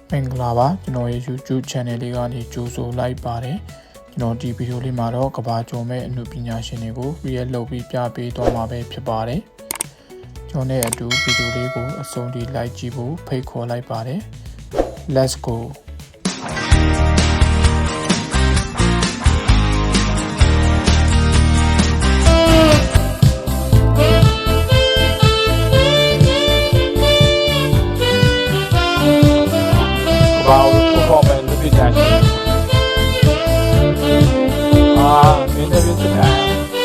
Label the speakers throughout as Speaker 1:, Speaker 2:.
Speaker 1: မင်္ဂလာပါကျွန်တော်ရဲ့ YouTube channel လေးကနေကြိုဆိုလိုက်ပါတယ်ကျွန်တော်ဒီဗီဒီယိုလေးမှာတော့ကဘာကျော်မဲ့အမှုပညာရှင်တွေကို react လုပ်ပြီးပြပေးသွားမှာပဲဖြစ်ပါတယ်ကျွန်တော်နဲ့အတူဗီဒီယိုလေးကိုအဆုံးထိ like ကြည့်ဖို့ဖိတ်ခေါ်လိုက်ပါတယ် let's go Wow, performance lebih dahsyat. Ini lebih sedap.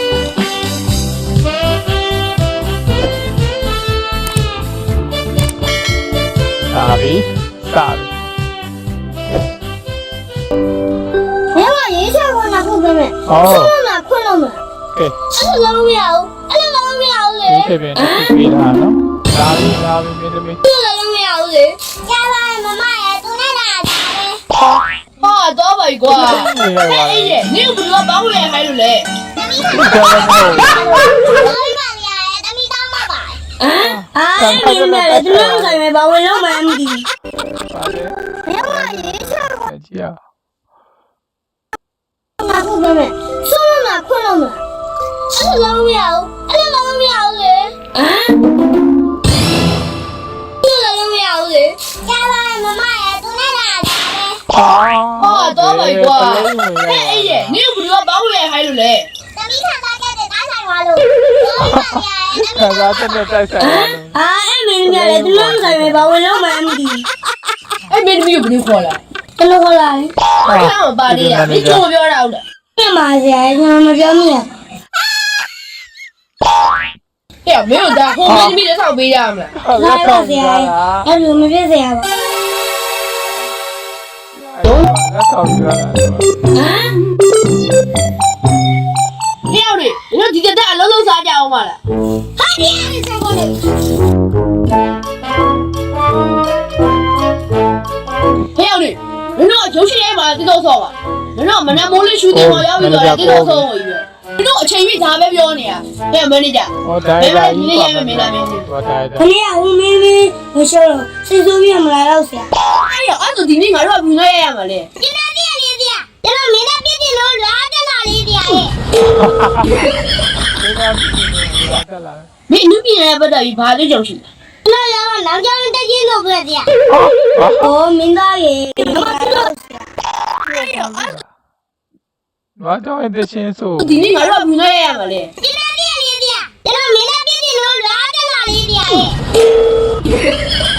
Speaker 1: Sabi.
Speaker 2: 你把银线给我拿过来没？
Speaker 1: 哦。
Speaker 2: 困了没？
Speaker 1: 给。
Speaker 2: 老苗，老苗嘞。
Speaker 1: 你这边是给他呢？Sabi,没得没。
Speaker 2: 老苗嘞。家外妈妈也都在哪家嘞？
Speaker 3: 啊，多吧一个。哎呀，你又不知道帮我还有嘞。
Speaker 2: 明白了，这两个月把我老妈的。你把银线给我拿过来没？什么困了没？老苗嘞。老苗嘞。家外妈妈也都在哪家嘞？
Speaker 3: 啊，多吧一个。哎呀，你又不知道帮我还有嘞。
Speaker 1: 看他真的在晒
Speaker 2: 明白了，这两个月把我老妈的。
Speaker 3: 哎，没得没有不能喝了。
Speaker 2: 怎么过来？
Speaker 3: 看我爸的呀，你做不了了。
Speaker 2: 干嘛去？你们表妹。
Speaker 3: 哎呀，没有的，后面你没得上背呀么？
Speaker 2: 来吧，谁？要是我们别谁吧。
Speaker 3: 你要的，你说今天咱老啥家伙嘛了？
Speaker 2: 他爹的啥过来？
Speaker 3: 不要的，你说就是来嘛，这多少吧？你说我们那某里兄弟嘛，要不要这多少我一个？你说前面咋没标呢？没有没的家，没来你的也没来没的。
Speaker 2: 他爹，我妹妹我小了，谁说别没来老师？
Speaker 3: 哎呀，俺说弟弟俺说不那样嘛嘞。
Speaker 2: 你那爹哩爹，你那没那别的老拉在哪里爹？
Speaker 3: 没你别人不得一趴就就是。
Speaker 2: 那要南疆人带进都不得爹。哦，明大爷，我知道。
Speaker 3: 哎呀，
Speaker 1: 我找你的线索。
Speaker 3: 弟弟俺说不那样嘛嘞。
Speaker 2: 你那爹哩爹，你那没那别的老拉在哪里爹？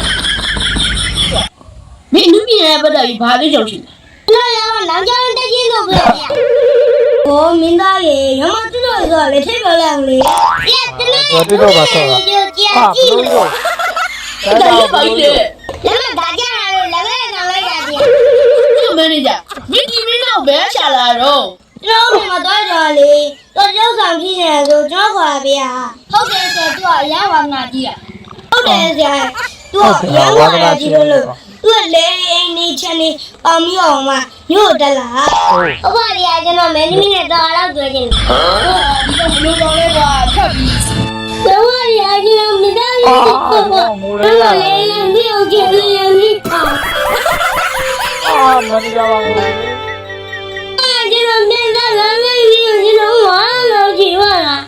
Speaker 3: 没你别人不得一趴就就是。
Speaker 2: 那要南疆人带进都不得爹。哦，明大爷，要么知道一个来代表两里。爹，这个你就接记了。
Speaker 3: 大爷不好意思。
Speaker 2: 咱们大家来了，两个家的。
Speaker 3: 这没的家，没地没那白下来喽。
Speaker 2: 老妈妈到这里，到这上皮呢就这块边，后边是多阳光那地，后边是多阳光那地的路。我来你前里把苗嘛有的啦，我把你还在那没你那到了做进。
Speaker 3: 你这不能搞那个特别。
Speaker 2: 我的还在那没到你爸爸，我来没有见你啊。
Speaker 1: 那你干嘛？
Speaker 2: 这个面在人类里，这种完了几万了。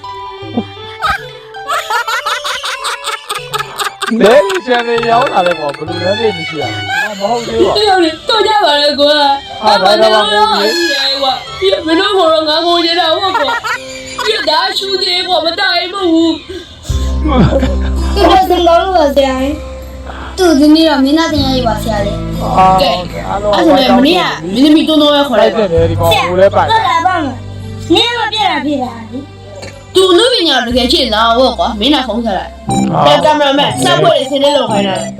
Speaker 1: 你现在要哪来我不能那里去啊？我好久了。
Speaker 3: 哎呀，你到家完了过来，俺们那我还是来过，也没弄好了，俺过去了我过，也大兄弟我们大一步。
Speaker 2: 这是老多钱，肚子里了没那点一把钱嘞。
Speaker 3: 对，俺说的没呢，没没多弄要回来的。
Speaker 2: 我来帮了，你那别人别的。
Speaker 3: 都那边伢子给钱了，我过没拿空下来。在干嘛买？三块的现在都回来了。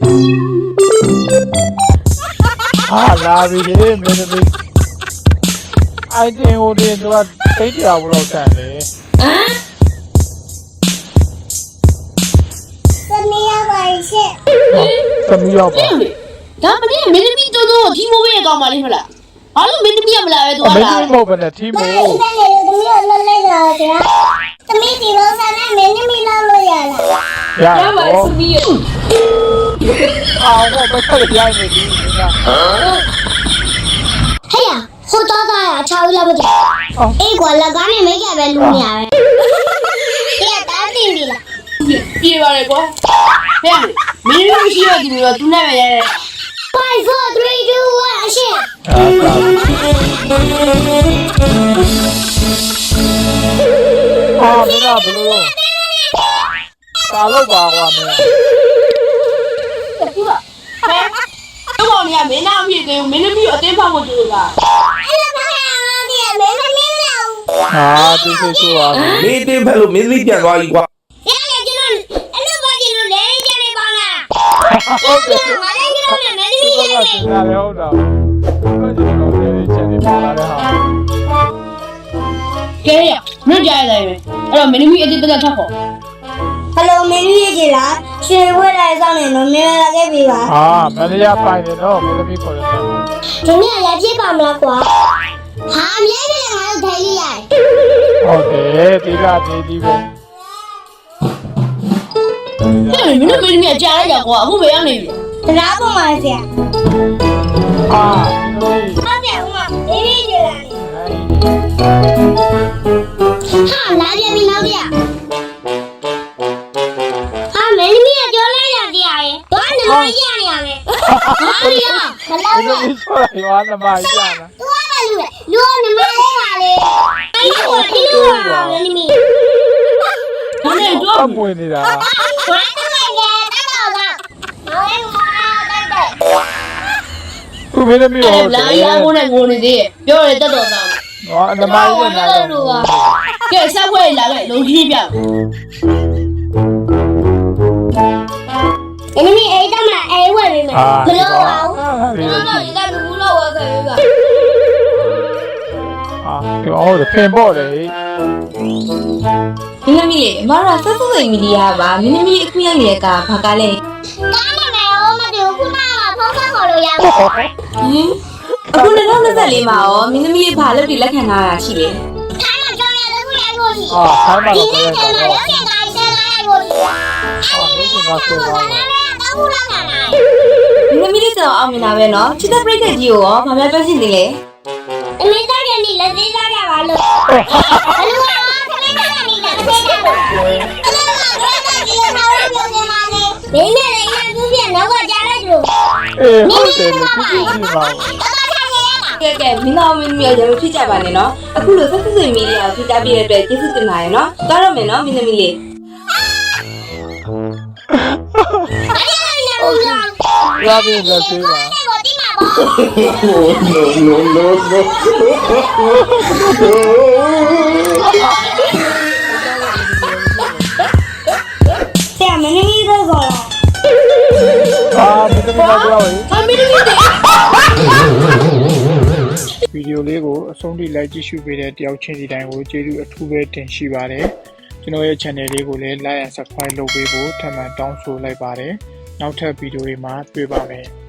Speaker 1: 拉比的没得没。爱听我的都要飞掉不老站的。
Speaker 2: 怎么样回事？
Speaker 1: 怎么样吧？
Speaker 3: 咱们这没得米多多，提莫也搞嘛哩了。俺们没得米不来多
Speaker 1: 没
Speaker 3: 啦。
Speaker 1: 得毛病的提莫。
Speaker 2: 那你怎么地方上那没那么老了呀？
Speaker 1: 呀， အောင်တော့ပတ်သက်ရိုက်နေပြီငါ
Speaker 2: ဟဲ့ရဟိုတော့သားရချောင်းလာဖို့အေးကွာလက်ကားနဲ့မိတ်ကပဲလူနေရတယ်အေးတားတင်ပြီလား
Speaker 3: ပြေးပါလေကွာဟဲ့မင်းတို့ရှိရဒီလိုသူနဲ့ပဲရဲ
Speaker 2: 5 4 3 2 1အရှင်
Speaker 1: မင်းကဘလို့ကာလို့ပါကွာမင်း
Speaker 3: သူကဟဲ့တော့မရမင်းနာဖြစ်တယ်မင်းသမီးအတင်းဖောက်ဖို့ကြိုးစား
Speaker 2: အဲ့လိုပါရအောင်ဒီမင်းမလင်းလောက်
Speaker 1: ဟာသူဆိုပါ
Speaker 4: မင်းတင်းဖက်လို့မင်းသမီးပြန်သွားပြီကွာ
Speaker 2: ရလေကျွန်တော်အဲ့လိုပါကျင်လို့လဲကျနေပါလား
Speaker 1: ဟုတ်တယ်
Speaker 2: ငါလည်းကျွန်တော်နဲ့မင်းသမီးရဲ့
Speaker 1: ငါလည်းဟုတ်တာဘာကြီးတော့လေချင်နေပါလားဟာ
Speaker 3: ကဲရမင်းကြားရတယ်ပဲအဲ့တော့မင်းသမီးအတင်းတက်ထပ်ဖို့
Speaker 2: ဟယ်လိုမင်းသမီးကြီးလားရှင်ဝဲလိုက်ဆောင်နေတော့မင်းလာခဲ့ပြီပါ
Speaker 1: ဟာမန္တရာပိုင်နေတော့မင်းသမီးခေါ်ရတယ်
Speaker 2: ဒီနေ့ရပြစ်ပါမလားကွာဟာမြဲတယ်ငါတို့ထိုင်လိုက်ရတယ်
Speaker 1: ဟုတ်တယ်ဒီကဒီပဲ
Speaker 3: အဲ့မင်းသမီးကြားလိုက်ကြကွာအခုပဲရောက်နေပြီ
Speaker 2: တရားပေါ်မှာဆရာ
Speaker 1: အာဒီ
Speaker 2: ဟုတ်တယ်ဦးမမင်းသမီးကြီးလားဟာလာပြန်ပြီနောက်ပြဟာမင်းသမီးကကြောလိုက်ရတရားရဲ့ဘာနမရနေရလဲဟာရီယာမလောက်
Speaker 1: ဒီ
Speaker 2: နဲ့
Speaker 1: ဆိုရပါနမရနာ
Speaker 2: သူကလည်းလူနမလေးပါလေအဲ့ဒီကိုဒီလိုပါမင်းသမီး
Speaker 3: ဒါနဲ့တော့
Speaker 1: အပွင့်နေတာ
Speaker 2: ဝမ်းတော့လည်းတက်တော့လားဟိုင်းမာတက်တက်
Speaker 1: သူမင်းသမီးရော
Speaker 3: လာရမိုးနဲ့ငိုနေသေးရဲ့ပြောရတက်တော်သား
Speaker 1: ဟောနမရနာတော့
Speaker 3: ကဲဆက်ဖွဲ့လာခဲ့လုံးကြီးပြ
Speaker 2: ။ဒီနေ့အိတ်တော့မှအိတ်ဝယ်ပေးမယ်။ဘလို့ပါဦး။ကျွန်တော်ဒီကလူဘူးလို့ဝယ်ခဲ့ပြီပါ
Speaker 1: ဟာဟုတ်တယ်ဖင်ပေါ့လေ
Speaker 5: မင်းသမီးလေအမကဆက်ဆက်စိမ်မီဒီယာပါမင်းသမီးအခုရောက်နေတဲ့ကဘာကလဲ
Speaker 2: ။ကားနာမည်ရောမသိဘူးခုနကဖုန်းဆက်ခေါ်လို့ရပါဘူး
Speaker 5: ဟင်အခု2024မှာရောမင်းသမီးဘာလို့ဒီလက်ခံထားတာရှိလဲ
Speaker 2: ။ခိုင်းမှာကြောင်ရတဲ့ခုရိုက်ဖို့ရှိ
Speaker 1: ဟာဆိုင်းပါ
Speaker 2: ။ဒီ
Speaker 1: တော့
Speaker 2: နေ့ကျ
Speaker 1: ဆို
Speaker 2: မှ
Speaker 1: တော့
Speaker 2: ရုပ်ရှင်ကားဆက်လာရိုက်ဖို့ရှိ။အဲ့ဒီမှာဆိုတော့လည်းတော့ဘူးလာတာလား
Speaker 5: မင်းသမီးလေးကျွန်တော်အောင်မြင်တာပဲနော်ချစ်တဲ့ပြိတ္တကြီးကိုရောဘာမှပြောချင်သေးလဲ
Speaker 2: ။အမေသားကလည်းလက်သေးသားကြပါလို့။ဘလို့ကခလေးသားကလည်းလက်သေးကြပါ။အဲ့ဒါကလည်းဒီလိုထားရပြောနေမှာလေ။ဒီနေ့လည်းရသူပြနောက်ကကြားလိုက်လို့
Speaker 1: အေးဟုတ်တယ်သူကြည့်ကြည့်ပါဦး
Speaker 5: ကဲကဲမင်းတော်မင်းသမီးရောရမဖြစ်ကြပါနဲ့နော်အခုလိုဆက်ဆက်စိမ်မီဒီယာကိုဖိတာပြတဲ့အတွက်ကျေးဇူးတင်ပါတယ်နော်သွားတော့မယ်နော်မင်းသမီးလေး
Speaker 1: ရပြီလက်သေးပါ
Speaker 4: no no no
Speaker 2: ဆရာမင်းကြီးတော့ခေါ်လာ
Speaker 1: ဟာမင်းသမီးတော့ပြောရင်
Speaker 3: အမင်းသမီးတွေ
Speaker 1: ဗီဒီယိုလေးကိုအဆုံးထိလိုက်ကြည့်ရှုပေးတဲ့တယောက်ချင်းစီတိုင်းကိုကျေးဇူးအထူးပဲတင်ရှိပါတယ်ကျွန်တော်ရဲ့ channel လေးကိုလည်း like and subscribe လုပ်ပေးဖို့ထပ်မံတောင်းဆိုလိုက်ပါတယ်နောက်ထပ်ဗီဒီယိုတွေမှာတွေ့ပါမယ်